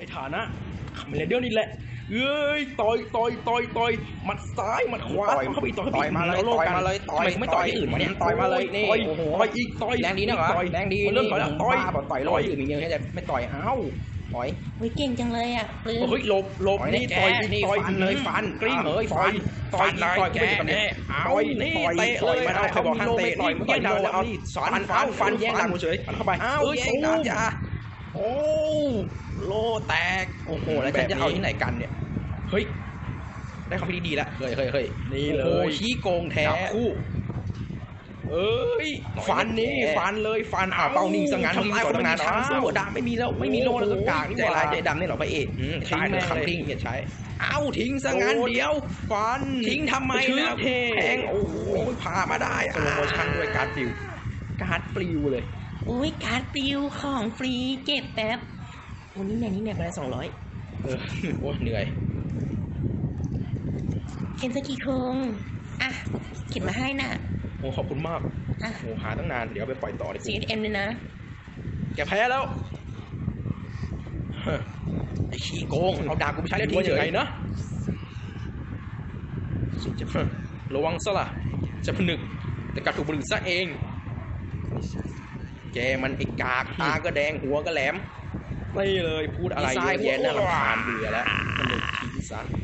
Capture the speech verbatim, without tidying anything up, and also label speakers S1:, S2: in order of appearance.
S1: ฐานะคาเมเลเดียนนี่แหละเอ้ยต่อยต่อยต่อยต่อยหมัดซ้ายหมัดขวาเข้าไปต่อย
S2: ต่อยมาเลยต่อยมาเลยต่อย
S1: ไม่ต่อยที่อื่นเนี่ย
S2: ต่อยมาเลยนี่
S1: ต่อย
S2: โอ้โห
S1: ต่อยอีกต่อย
S2: แรงดีนะเหรอ
S1: ต่อย
S2: แรงดี
S1: เริ่มต่อยแล้วต่อย
S2: บ้าบอกต่อยร้อยอื่นมีเงี้ยแค่จะไม่ต่อยเอ้าต่อย
S3: เฮ้ยเก่งจังเลยอ่ะปลื้ม
S1: เฮ้ยหลบหลบ
S2: ต่อย
S1: นี่
S2: แก
S1: ต่อยอีก
S2: นี่
S1: ต่อย
S2: ฟันเลยฟัน
S1: กลิ้ง
S2: เอ้ย
S1: ต่อย
S2: ฟั
S1: ต่อย
S2: น
S1: ต่อย
S2: ต่อย
S1: ต่อย
S2: แก
S1: ต่อย
S2: แน่
S1: ต่อย
S2: นี่
S1: ต่อย
S2: เตะ
S1: ต่อย
S2: เลย
S1: มาเอาใครบอกห้ามเตะต่อย
S2: แย่งดาว
S1: เอา
S2: นี่สอน
S1: ฟัน
S2: ฟันฟันแย่งดาว
S1: ฟัน
S2: เฉย
S1: ฟันเข้าไป
S2: อ้าว
S1: เอ้ย
S2: แย่งดาวจ้าโอ้โลแตกโอ้โหแล้วฉันจะเอาที่ไหนกันเนี่ยเฮ้ยได้ความคิดดีแล้วเฮ้ยเฮ้ยเฮ้ย
S1: นี่เลย
S2: โอ้โหชี้โกงแท้
S1: จับคู่
S2: เอ้ยฟันนี่ฟันเลยฟันอ่าเป้านิ่งซะงั้น
S1: ทำลาย
S2: ต่อตั้งนาน
S1: คนไม่มีทางสู้
S2: สู้ดาไม่มีแล้วไม่มีโลแล้วสักกาก
S1: โอ้โห
S2: ใจร้ายใจดำนี่เหรอพระเอก
S1: อืม
S2: ทิ้ง
S1: ตายเลย
S2: คำทิ้งเหียดใช้เอ้าทิ้งซะงั้น
S1: โดน
S2: เดียว
S1: ฟัน
S2: ทิ้งทำไม
S1: ชื่อ
S2: นะ
S1: เท่
S2: แทงโอ้โหผ่ามาได้
S1: สโลโมชั่นด้วยการ์ดปลิว
S2: การ์ดปลิวเลย
S3: โอ้ยการ์ดปลิวของฟรีเก็บแป๊บโอ้นี่เนี่ยนี่เนี่ยไปละสองร้อย
S2: เออโอ้เหนื่อย
S3: เอ็นสกีโคงอ่ะเขียนมาให้น่ะ
S2: โอ้ขอบคุณมาก
S3: อ่ะ
S2: โอ้หาตั้งนานเดี๋ยวไปปล่อยต่อดีก
S3: ซี
S2: ว่า
S3: เอ็มเลยนะ
S2: แกแพ้แล้วเฮ้ยไอ้ขี้โกงเอาดาบกูไปใช้แล้วทิ้ง
S1: ว่า
S2: เฉ
S1: ยังไง
S2: ย
S1: นะ
S2: จะระวังซะล่ะจะผนึกแต่กลับถูกผนึกซะเองแกมันไอ้กากตาก็แดงหัวก็แหลม
S1: ไม่เลยพูดอะไร
S2: ดีไซน์
S1: เยอะแยะน่ารำคาญ
S2: เบื่อแล้วผนึกทิ้งซะ